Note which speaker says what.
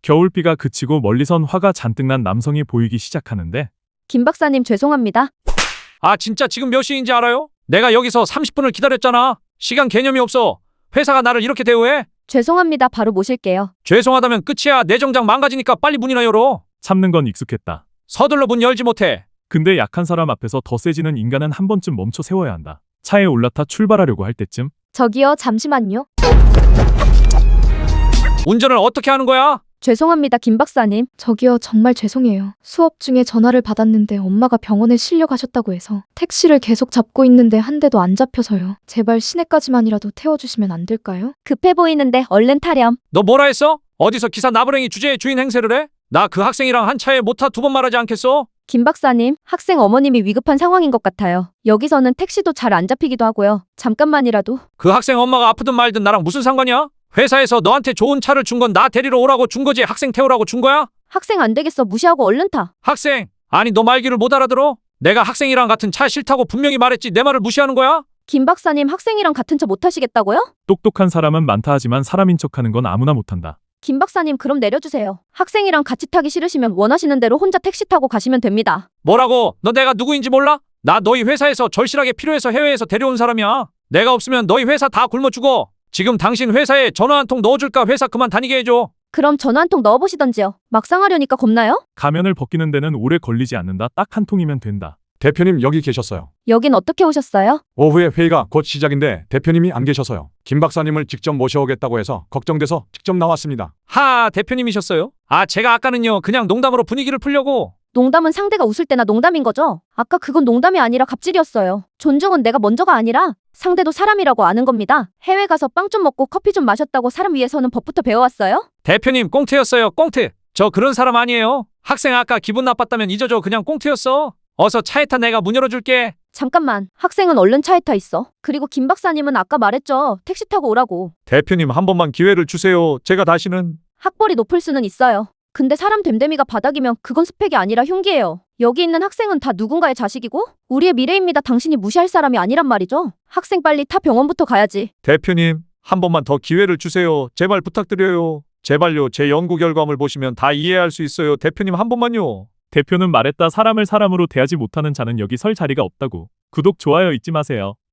Speaker 1: 겨울비가 그치고 멀리선 화가 잔뜩 난 남성이 보이기 시작하는데
Speaker 2: 김 박사님 죄송합니다.
Speaker 3: 아, 진짜 지금 몇 시인지 알아요? 내가 여기서 30분을 기다렸잖아. 시간 개념이 없어. 회사가 나를 이렇게 대우해?
Speaker 2: 죄송합니다. 바로 모실게요.
Speaker 3: 죄송하다면 끝이야. 내 정장 망가지니까 빨리 문이나 열어.
Speaker 1: 참는 건 익숙했다.
Speaker 3: 서둘러 문 열지 못해.
Speaker 1: 근데 약한 사람 앞에서 더 세지는 인간은 한 번쯤 멈춰 세워야 한다. 차에 올라타 출발하려고 할 때쯤
Speaker 2: 저기요, 잠시만요.
Speaker 3: 운전을 어떻게 하는 거야?
Speaker 2: 죄송합니다, 김 박사님. 저기요, 정말 죄송해요. 수업 중에 전화를 받았는데 엄마가 병원에 실려가셨다고 해서 택시를 계속 잡고 있는데 한 대도 안 잡혀서요. 제발 시내까지만이라도 태워주시면 안 될까요? 급해 보이는데 얼른 타렴.
Speaker 3: 너 뭐라 했어? 어디서 기사 나부랭이 주제에 주인 행세를 해? 나 그 학생이랑 한 차에 못 타 두 번 말하지 않겠어?
Speaker 2: 김 박사님, 학생 어머님이 위급한 상황인 것 같아요. 여기서는 택시도 잘 안 잡히기도 하고요. 잠깐만이라도.
Speaker 3: 그 학생 엄마가 아프든 말든 나랑 무슨 상관이야? 회사에서 너한테 좋은 차를 준 건 나 데리러 오라고 준 거지 학생 태우라고 준 거야?
Speaker 2: 학생 안 되겠어. 무시하고 얼른 타.
Speaker 3: 학생! 아니 너 말귀를 못 알아들어? 내가 학생이랑 같은 차 싫다고 분명히 말했지 내 말을 무시하는 거야?
Speaker 2: 김 박사님, 학생이랑 같은 차 못 타시겠다고요?
Speaker 1: 똑똑한 사람은 많다 하지만 사람인 척하는 건 아무나 못한다.
Speaker 2: 김 박사님, 그럼 내려주세요. 학생이랑 같이 타기 싫으시면 원하시는 대로 혼자 택시 타고 가시면 됩니다.
Speaker 3: 뭐라고? 너 내가 누구인지 몰라? 나 너희 회사에서 절실하게 필요해서 해외에서 데려온 사람이야. 내가 없으면 너희 회사 다 굶어 죽어. 지금 당신 회사에 전화 한 통 넣어줄까? 회사 그만 다니게 해줘.
Speaker 2: 그럼 전화 한 통 넣어보시던지요. 막상 하려니까 겁나요?
Speaker 1: 가면을 벗기는 데는 오래 걸리지 않는다. 딱 한 통이면 된다.
Speaker 4: 대표님 여기 계셨어요.
Speaker 2: 여긴 어떻게 오셨어요?
Speaker 4: 오후에 회의가 곧 시작인데 대표님이 안 계셔서요. 김 박사님을 직접 모셔오겠다고 해서 걱정돼서 직접 나왔습니다.
Speaker 3: 하, 대표님이셨어요? 아, 제가 아까는요 그냥 농담으로 분위기를 풀려고.
Speaker 2: 농담은 상대가 웃을 때나 농담인 거죠? 아까 그건 농담이 아니라 갑질이었어요. 존중은 내가 먼저가 아니라 상대도 사람이라고 아는 겁니다. 해외 가서 빵 좀 먹고 커피 좀 마셨다고 사람 위해서는 법부터 배워왔어요?
Speaker 3: 대표님 꽁트였어요. 꽁트. 저 그런 사람 아니에요. 학생 아까 기분 나빴다면 잊어줘. 그냥 꽁트였어. 어서 차에 타. 내가 문 열어줄게.
Speaker 2: 잠깐만, 학생은 얼른 차에 타 있어. 그리고 김 박사님은 아까 말했죠. 택시 타고 오라고.
Speaker 4: 대표님 한 번만 기회를 주세요. 제가 다시는.
Speaker 2: 학벌이 높을 수는 있어요. 근데 사람 됨됨이가 바닥이면 그건 스펙이 아니라 흉기예요. 여기 있는 학생은 다 누군가의 자식이고 우리의 미래입니다. 당신이 무시할 사람이 아니란 말이죠. 학생 빨리 타. 병원부터 가야지.
Speaker 4: 대표님 한 번만 더 기회를 주세요. 제발 부탁드려요. 제발요. 제 연구 결과물 보시면 다 이해할 수 있어요. 대표님 한 번만요.
Speaker 1: 대표는 말했다. 사람을 사람으로 대하지 못하는 자는 여기 설 자리가 없다고. 구독, 좋아요 잊지 마세요.